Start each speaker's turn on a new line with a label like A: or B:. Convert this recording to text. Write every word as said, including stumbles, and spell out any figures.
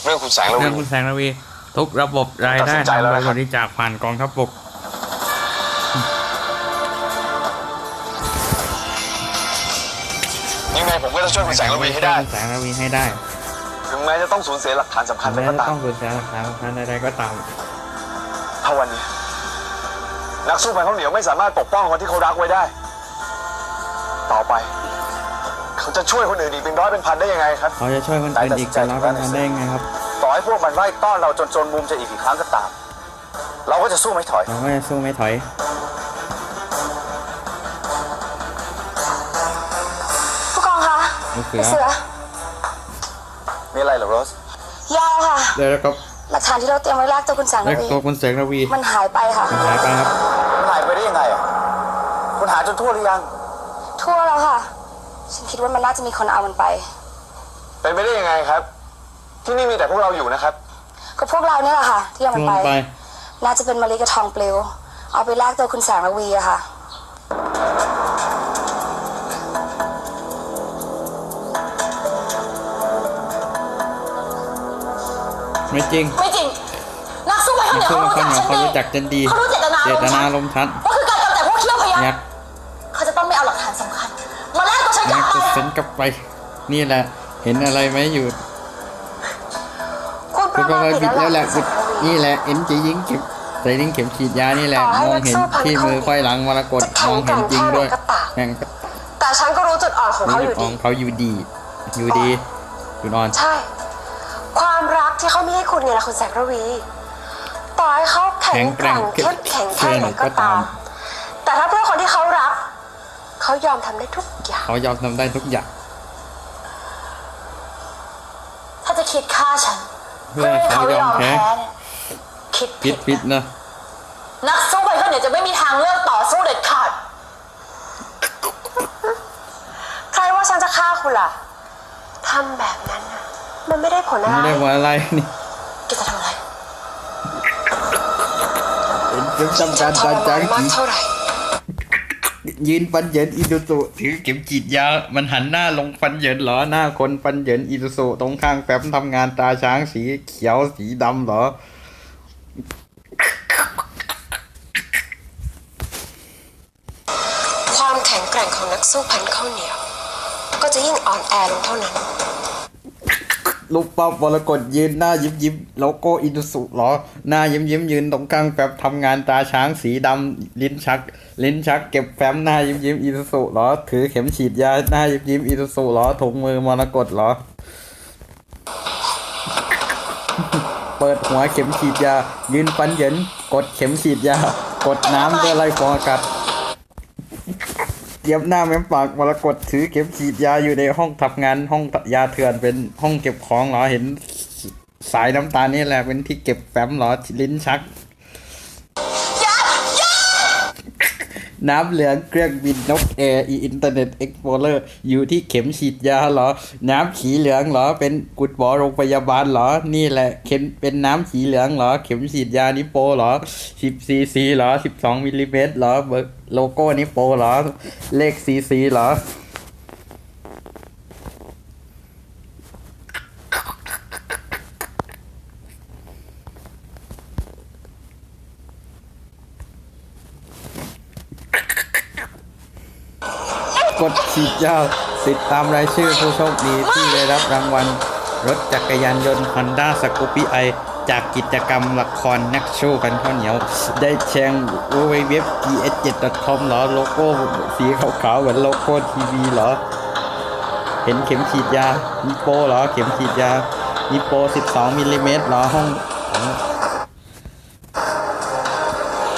A: รื่องคุณแสงระวี
B: เรื่องคุณแสงระวีทุกระบบรายได้ทำโดยบริจาคผ่านกองทัพบก
A: ยังไงผมก็จะช่วยคุณแสงระวีให้ได้
B: คุณแสงระวีให้ได้
A: ถึงแม้จะต้องสูญเสียหลักฐานสำคัญไปก็ตาม
B: ต้องสูญเสียหลักฐานสำคัญใดๆก็ตาม
A: ถ้าวันนี้นักสู้พันข้าวเหนียวไม่สามารถปกป้องคนที่เขารักไว้ได้ต่อไปเขาจะช่วยคนอื่นอีกเป็นร้อยเป็นพันได้ยังไงครับ
B: เขาจะช่วยคนอื่นอีกเป็นร้อยเป็นพันได้ยังไงครับ
A: ต่อให้พวกมันไล่ต้อนเราจนจนมุมจะอีกกี่ครั้งก็ตามเราก็จะสู้ไม่ถอย
B: เราก็จะสู้ไม่ถอย
C: ผู้กองคะ
B: เสือ
C: เสือ
A: มีอะไรเหรอโรส
C: ยาวค่ะ
B: เดี๋ยวครับ
C: หลักฐานที่เราเตรียมไว้ลากตัวคุณแสงระวี
B: ตัวคุณแสงระวี
C: มันหายไปค่ะ
B: มันหายไปครับ
A: มันหายไปได้ยังไงอ่ะคุณหาจนทั่วหรือยัง
C: ทั่วแล้วค่ะฉันคิดว่ามันน่าจะมีคนเอามันไป
A: เป็นไปได้ยังไงครับที่นี่มีแต่พวกเราอยู่นะครับ
C: ก็พวกเราเนี่ยแหละค่ะที่เอามันไปน่าจะเป็นมะลิกระทองปลิวเอาไปลากตัวคุณแสงระวีอะค่ะ
B: ไม่จริง
C: ไม่จริงนักสู้ไปเขาเนี่ยเขารู้จักฉันดีเขารู้เจตนา
B: เจตนาลมชัน
C: ก็คือการกำจัดพวกเขี้ยวพยัคฆ์เขาจะต้องไม่เอาหลักฐานสำคัญมาแลกตัวฉันกลับไป
B: ฉันกลับไปนี่แหละเห็นอะไรไหมอยู่
C: คุณประมาทผิดแล้วแหละ
B: นี่แหละเอ็นจะยิงเข็มใส่ลิงเข็มฉีดยานี่แหละมองเห็นที่มือค่อยหลังมรกตมองเห็นจริงด้วยแข่ง
C: แต่ฉันก็รู้จุดอ่อนของเขาอยู่ดี
B: เขาอยู่ดีอยู่ดีจุดอ่อน
C: ใช่ความรักที่เขามีให้คุณเนี่ยนะคุณแสงระวีต่อให้เขาแข็งแกร่งเข้มแข็งแค่ไหนก็ตามแต่ถ้าเพื่อคนที่เขารักเขายอมทำได้ทุกอย่าง
B: เขายอมทำได้ทุกอย่าง
C: ถ้าจะคิดฆ่าฉัน
B: เพื่อให้เขายอมแพ้
C: คิด
B: ผิดผิดนะ
C: นักสู้ไปเขาเนี่ยจะไม่มีทางเลือกต่อสู้เด็ดขาดใครว่าฉันจะฆ่าคุณล่ะทำแบบนั้นนะมันไม่ได้ผลอะไร
B: ไม่ได้ผลอะไรนี่
C: แกจะทำอะไร
B: เป็นจำการจานจางกี่ยืนฟันเหยินอินุสุถือเข็มฉีดยามันหันหน้าลงฟันเหยินเหรอหน้าคนฟันเหยินอินุสุตรงข้างแฟ้มทำงานตาช้างสีเขียวสีดำเหรอ
C: ความแข็งแกร่งของนักสู้พันข้าวเหนียวก็จะยิ่งอ่อนแอลงเท่านั้น
B: ลูกป๊อปวรกฏยืนหน้ายิ้มยิ้มโลโก้อินุสุเหรอหน้ายิ้มยิ้มยืนตรงข้างแฟ้มทำงานตาช้างสีดำลิ้นชักลิ้นชักเก็บแฟ้มหน้ายิ้มยิ้มอินุสุเหรอถือเข็มฉีดยาหน้ายิ้มยิ้มอินุสุเหรอถุงมือมรกตเหรอเปิดหัวเข็มฉีดยายืนฟันเหยินกดเข็มฉีดยากดน้ำด้วยไล่ฟองอากาศเย็บหน้าแม้มปากมรกตถือเข็มฉีดยาอยู่ในห้องทำงานห้องยาเถื่อนเป็นห้องเก็บของเหรอเห็นสายน้ำตาลนี่แหละเป็นที่เก็บแฟ้มเหรอลิ้นชักน้ำเหลืองเครื่องบินนกแอร์อินเทอร์เน็ตเอ็กโพเลอร์อยู่ที่เข็มฉีดยาเหรอน้ำสีเหลืองเหรอเป็นกุดหมอโรงพยาบาลเหรอนี่แหละเข็มเป็นน้ำสีเหลืองเหรอเข็มฉีดยานิโปเหรอสิบซีซีเหรอสิบสองมิลลิเมตรเหรอเบอร์โลโก้นิโปเหรอเลขซีซีเหรอกดฉีดยาติดตามรายชื่อผู้โชคดีที่ได้รับรางวัลรถจักรยานยนต์ Honda Scoopy-i จากกิจกรรมละครนักสู้พันข้าวเหนียวได้แชง ดับเบิลยู ดับเบิลยู ดับเบิลยู ดอท จี เอส เจ็ด ดอท คอม เหรอโลโก้สีขาวๆเหมือนโลโก้ทีวีเหรอเห็นเข็มฉีดยานิโปเหรอเข็มฉีดยานิโปสิบสองมิลลิเมตรเหรอห้อง